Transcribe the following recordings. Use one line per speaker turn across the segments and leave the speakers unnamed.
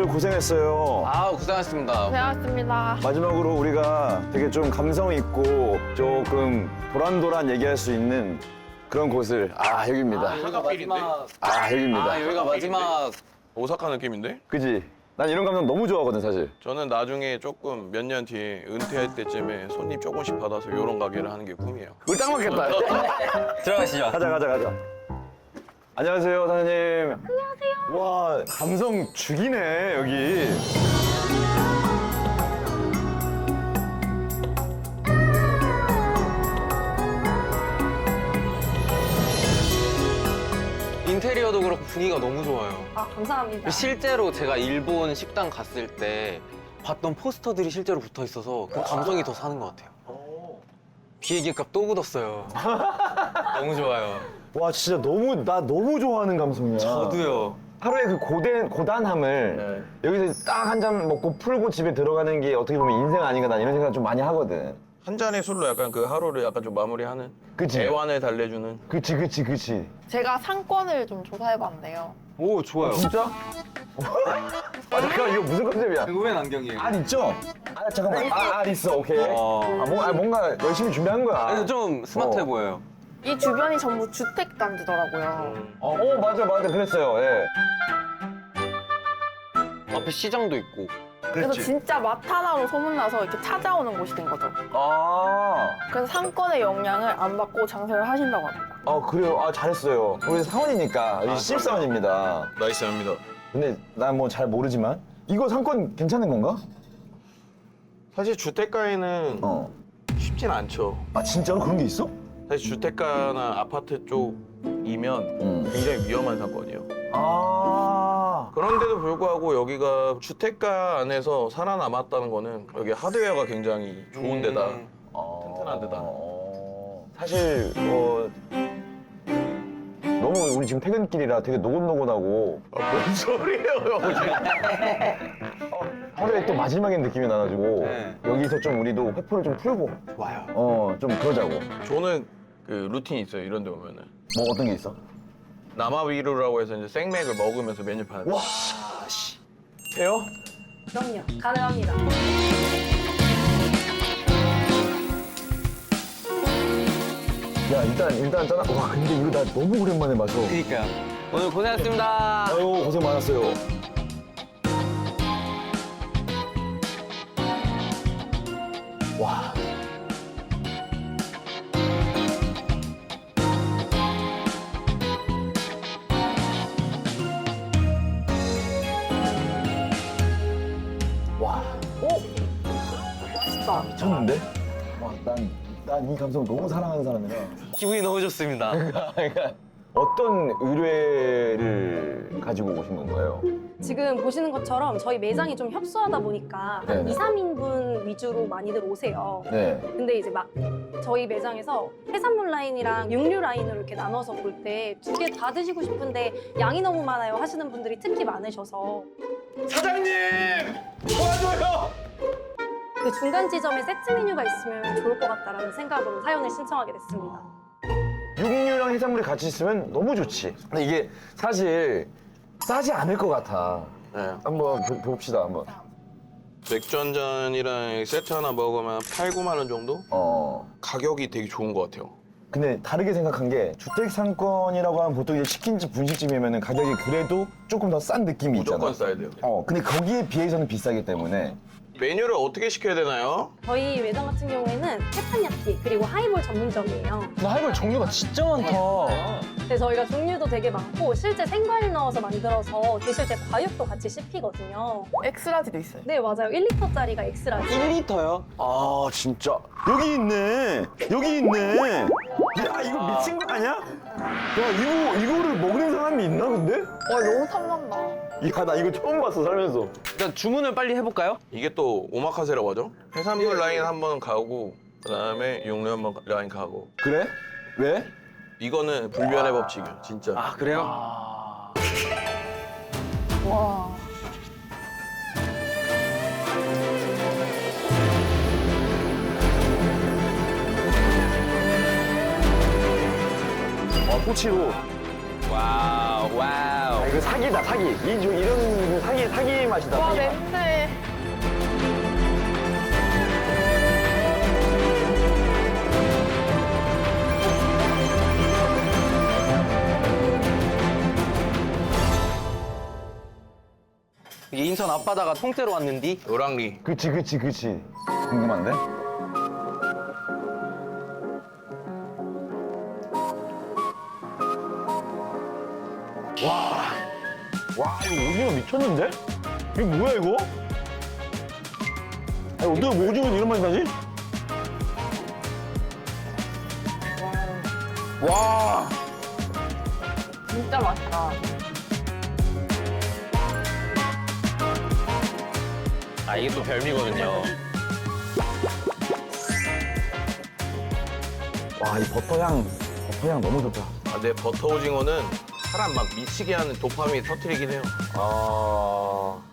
다들 고생했어요.
아, 고생하셨습니다.
고생하셨습니다.
마지막으로 우리가 되게 좀 감성 있고 조금 도란도란 얘기할 수 있는 그런 곳을 여기입니다.
여기가 마지막.
여기입니다.
여기가 마지막.
오사카 느낌인데?
그지? 난 이런 감성 너무 좋아하거든 사실.
저는 나중에 조금 몇 년 뒤에 은퇴할 때쯤에 손님 조금씩 받아서 이런 가게를 하는 게 꿈이에요.
우리 딱 맞겠다.
들어가시죠.
가자. 안녕하세요 사장님. 안녕하세요. 와 감성 죽이네 여기.
인테리어도 그렇고 분위기가 너무 좋아요.
아, 감사합니다.
실제로 제가 일본 식당 갔을 때 봤던 포스터들이 실제로 붙어 있어서 그 감성이 더 사는 것 같아요. 비행기값 또 굳었어요. 너무 좋아요.
와 진짜 나 너무 좋아하는 감성이야.
저도요.
하루의 그 고단함을 여기서 딱 한 잔 먹고 풀고 집에 들어가는 게 어떻게 보면 인생 아닌가 난 이런 생각 좀 많이 하거든.
한 잔의 술로 약간 그 하루를 약간 좀 마무리하는
그치?
애환을 달래주는
그치.
제가 상권을 좀 조사해봤는데요.
오, 좋아요.
진짜? 잠깐 이거 무슨 컨셉이야?
이거 왜 안경이에요?
알 있죠? 잠깐만. 알 있어. 오케이. 뭔가 열심히 준비한 거야.
아니, 좀 스마트해
어.
보여요.
이 주변이 전부 주택 단지더라고요.
맞아. 그랬어요. 예.
앞에 시장도 있고.
그래서 진짜 맛 하나로 소문나서 이렇게 찾아오는 곳이 된 거죠. 그래서 상권의 영향을 안 받고 장사를 하신다고 합니다.
그래요. 잘했어요. 우리 사원이니까. 우리 신입사원입니다.
나이스합니다.
근데 난 뭐 잘 모르지만 이거 상권 괜찮은 건가?
사실 주택가에는 쉽진 않죠.
진짜로 그런 게 있어?
사실 주택가나 아파트 쪽이면 굉장히 위험한 상권이에요. 그런데도 불구하고 여기가 주택가 안에서 살아남았다는 거는 여기 하드웨어가 굉장히 좋은 데다, 튼튼한 데다.
사실 너무 우리 지금 퇴근길이라 되게 노곤노곤하고
뭔 소리예요,
하루에 또 마지막인 느낌이 나가지고
네.
여기서 좀 우리도 회포를 좀 풀고
좋아요.
좀 그러자고.
저는 그 루틴이 있어요, 이런 데 오면은.
뭐 어떤 게 있어?
남아위루라고 해서 이제 생맥을 먹으면서 메뉴판을
와, 해요?
그럼요. 가능합니다.
야 일단 짠. 와 근데 이거 나 너무 오랜만에 마셔.
그니까요. 오늘 고생하셨습니다.
아유 고생 많았어요. 와. 와.
맛있다.
미쳤는데? 와, 난 이 감성 너무 사랑하는 사람이라.
기분이 너무 좋습니다.
그러니까 어떤 의뢰를 가지고 오신 건가요?
지금 보시는 것처럼 저희 매장이 좀 협소하다 보니까 한
네네.
2, 3인분 위주로 많이들 오세요.
네.
근데 이제 막 저희 매장에서 해산물 라인이랑 육류 라인으로 이렇게 나눠서 볼 때 두 개 다 드시고 싶은데 양이 너무 많아요 하시는 분들이 특히 많으셔서
사장님! 도와줘요!
그 중간 지점에 세트 메뉴가 있으면 좋을 것 같다라는 생각으로 사연을 신청하게 됐습니다.
육류랑 해산물이 같이 있으면 너무 좋지. 근데 이게 사실 싸지 않을 것 같아.
네.
한번 봅시다, 한번.
맥주 한 잔이랑 세트 하나 먹으면 8, 9만 원 정도? 가격이 되게 좋은 것 같아요.
근데 다르게 생각한 게 주택 상권이라고 하면 보통 이제 치킨집, 분식집이면 가격이 그래도 조금 더 싼 느낌이
무조건
있잖아.
싸야 돼요.
근데 거기에 비해서는 비싸기 때문에
메뉴를 어떻게 시켜야 되나요?
저희 매장 같은 경우에는 테판야끼 그리고 하이볼 전문점이에요.
근데 하이볼 종류가 진짜 많다.
근데 저희가 종류도 되게 많고 실제 생과일 넣어서 만들어서 드실 때 과육도 같이 씹히거든요.
엑스라지도 있어요.
네 맞아요. 1리터짜리가 엑스라지.
1리터요?
아 진짜 여기 있네. 야 이거 미친 거 아니야? 야 이거를 먹는 사람이 있나 근데?
와, 너무 탐난다.
야 나 이거 처음 봤어 살면서.
일단 주문을 빨리 해볼까요?
이게 또 오마카세라고 하죠? 해산물 라인 한 번 가고 그다음에 육류 한 번 라인 가고
그래? 왜?
이거는 불변의 법칙이에요, 진짜.
아, 그래요?
와.
꼬치로.
와우.
이거 사기다, 사기. 이런 사기 맛이다.
와
사기 맛.
냄새.
이게 인천 앞바다가 통째로 왔는디?
노랑리.
그치. 궁금한데? 와, 이거 오징어 미쳤는데? 이거 뭐야, 이거? 아니, 어떻게 오징어는 이런 맛이 나지? 와,
진짜 맛있다.
아, 이게 또 별미거든요.
와, 이 버터향 너무 좋다.
아, 근데 버터 오징어는 사람 막 미치게 하는 도파민 터트리긴 해요.
아,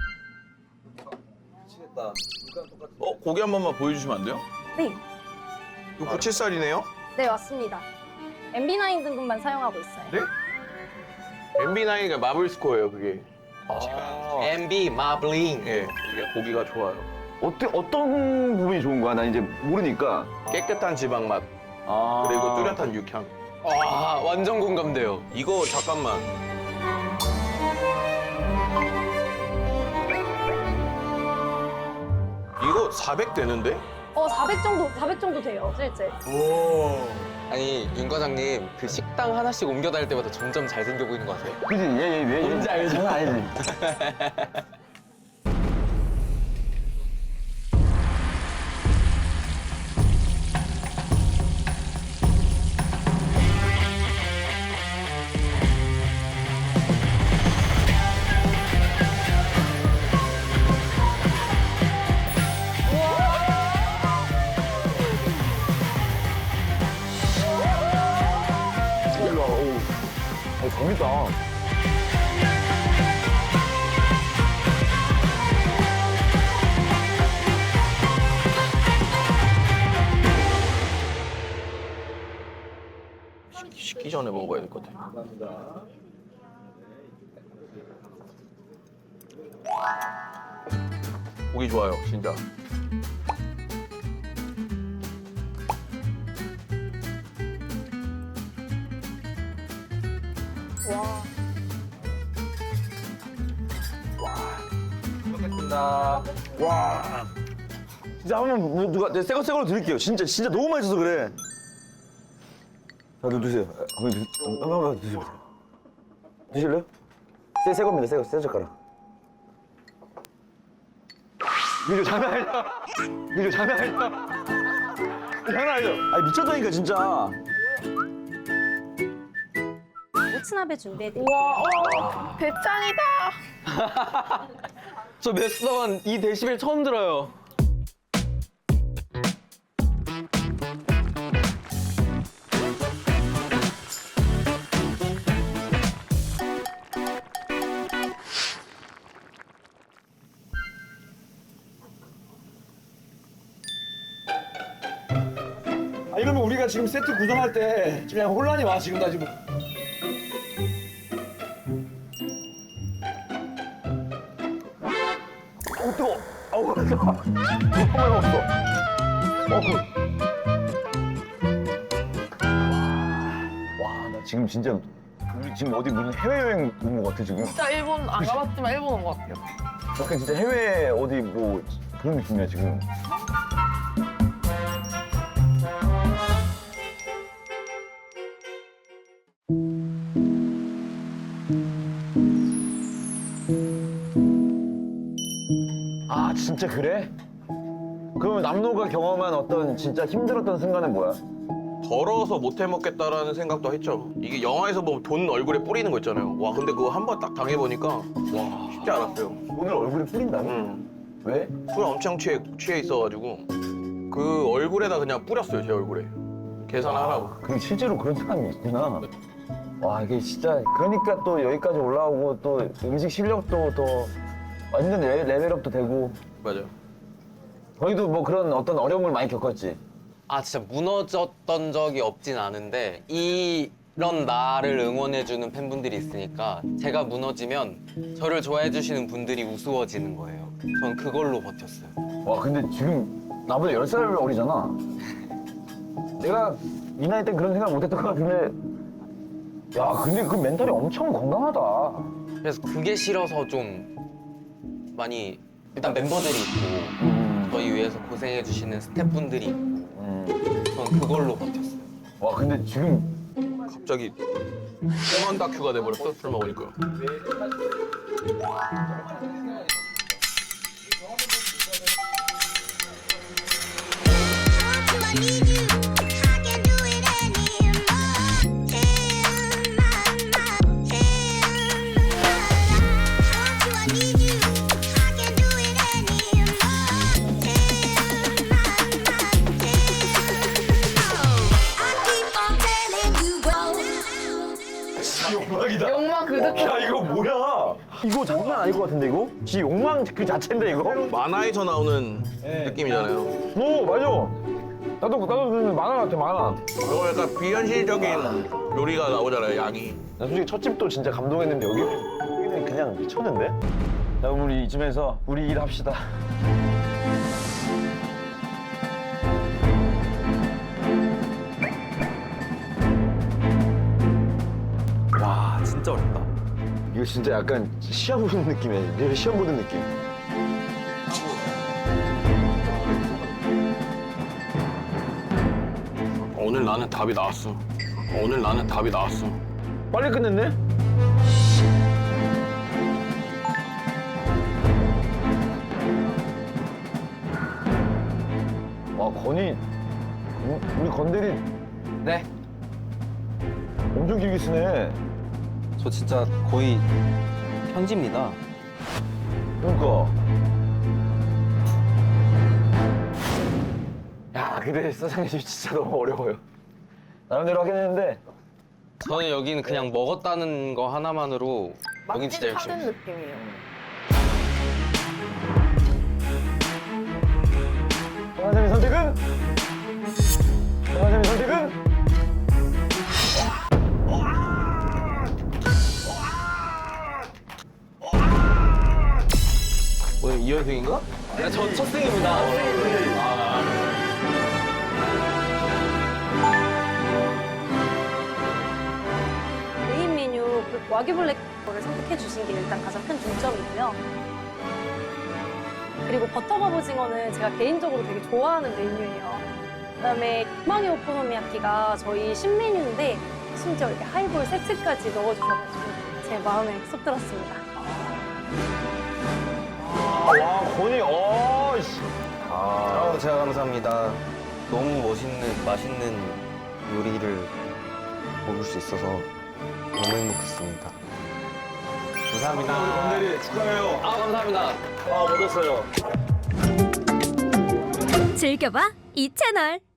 고기 한 번만 보여주시면 안 돼요?
네,
이거 부채살이네요?
네 맞습니다. MB9 등급만 사용하고 있어요.
네? MB9가 마블 스코어예요, 그게.
MB 마블링.
예, 이게 고기가 좋아요.
어떤 부분이 좋은 거야? 나 이제 모르니까.
깨끗한 지방 맛,
아,
그리고 뚜렷한 육향.
와, 완전 공감돼요.
이거 잠깐만. 이거 400 되는데?
400 정도 돼요, 실제.
아니, 윤 과장님, 그 식당 하나씩 옮겨 다닐 때마다 점점 잘생겨 보이는 거 아세요?
그지? 얘.
뭔지 알지?
장난 아니지? 일로 와. 오, 재밌다.
식기 전에 먹어야 될 것 같아. 고기 좋아요, 진짜.
와.
와. 진짜 한번 누가 새 걸로 드릴게요. 진짜 너무 맛있어서 그래. 자, 드세요. 한번 드세요. 드실래요? 새 겁니다. 새 젓가락. 이거 장난 아니다. 이거 장난 아니다. 장난 아니죠? 아니 미쳤다니까 진짜.
모츠나베 준비해드릴게요.
우와, 대짱이다.
저 몇 이 데시벨 처음 들어요.
이러면 우리가 지금 세트 구성할 때 지금 그냥 혼란이 와 지금 나 지금.
뜨거. 아우 뜨거. 정말 먹었어. 와, 나 지금 진짜 우리 지금 어디 무슨 해외여행 온 것 같아 지금.
진짜 일본 안 가봤지만 일본 온 것 같아요.
약간 진짜 해외 어디 뭐 그런 느낌이야 지금. 아 진짜 그래? 그러면 남노가 경험한 어떤 진짜 힘들었던 순간은 뭐야?
더러워서 못 해먹겠다라는 생각도 했죠. 이게 영화에서 보면 돈 얼굴에 뿌리는 거 있잖아요. 와, 근데 그거 한 번 딱 당해보니까 와, 쉽지 않았어요.
오늘 얼굴에 뿌린다고? 왜?
술 엄청 취해 있어가지고 그 얼굴에다 그냥 뿌렸어요, 제 얼굴에. 계산하라고.
그 실제로 그런 사람이 있구나. 와 이게 진짜 그러니까 또 여기까지 올라오고 또 음식 실력도 더 완전 레벨업도 되고.
맞아.
저희도 뭐 그런 어떤 어려움을 많이 겪었지.
아, 진짜 무너졌던 적이 없진 않은데 이 그런 나를 응원해주는 팬분들이 있으니까 제가 무너지면 저를 좋아해주시는 분들이 우스워지는 거예요. 전 그걸로 버텼어요.
와 근데 지금 나보다 10살 어리잖아. 내가 이 나이 때 그런 생각 못했던 것 같은데 야 근데 그 멘탈이 엄청 건강하다.
그래서 그게 싫어서 좀 많이 일단 멤버들이 있고 저희 위해서 고생해주시는 스태프분들이 있고 전 그걸로 버텼어요.
와 근데 지금
갑자기 뻔한 다큐가 돼버렸어 술 먹으니까.
욕망이다.
욕망 그득해.
야 이거 뭐야? 이거 장난 아닐 것 같은데 이거? 지 욕망 그 자체인데 이거?
만화에서 나오는 느낌이잖아요.
오 맞아. 나도 그 만화 같아 만화.
이거 약간 비현실적인 요리가 나오잖아요, 양이.
나 솔직히 첫 집도 진짜 감동했는데 여기는 그냥 미쳤는데? 자 우리 이쯤에서 우리 일 합시다.
와 진짜 어렵다.
이거 진짜 약간 시험 보는 느낌이야. 리얼 시험 보는 느낌.
오늘 나는 답이 나왔어. 오늘 나는 답이 나왔어.
빨리 끝냈네? 와 건이 우리 건대리
네.
엄청 길게 쓰네.
저 진짜 거의 편지입니다.
그러니까. 야 근데 사장님 진짜 너무 어려워요. 나름대로 하긴 했는데
저는 여기는 그냥 먹었다는 거 하나만으로 여긴 진짜
맛집
열심히
찾은
했어요.
느낌이에요.
정한샘의 선택은? 정한샘의 선택은?
오늘 이현승인가?
저 첫 승입니다.
메인 메뉴 그 와규 블랙을 선택해 주신 게 일단 가장 큰 중점이고요. 그리고 버터 갑오징어는 제가 개인적으로 되게 좋아하는 메뉴예요. 그다음에 육망이 오코노미야키가 저희 신메뉴인데 심지어 이렇게 하이볼 세트까지 넣어주셔가지고 제 마음에 쏙 들었습니다.
와 건이 어이씨.
제가 감사합니다. 너무 맛있는 요리를 먹을 수 있어서 너무 행복했습니다. 감사합니다.
건대리 축하해요.
감사합니다.
아 못했어요.
즐겨봐 이 채널.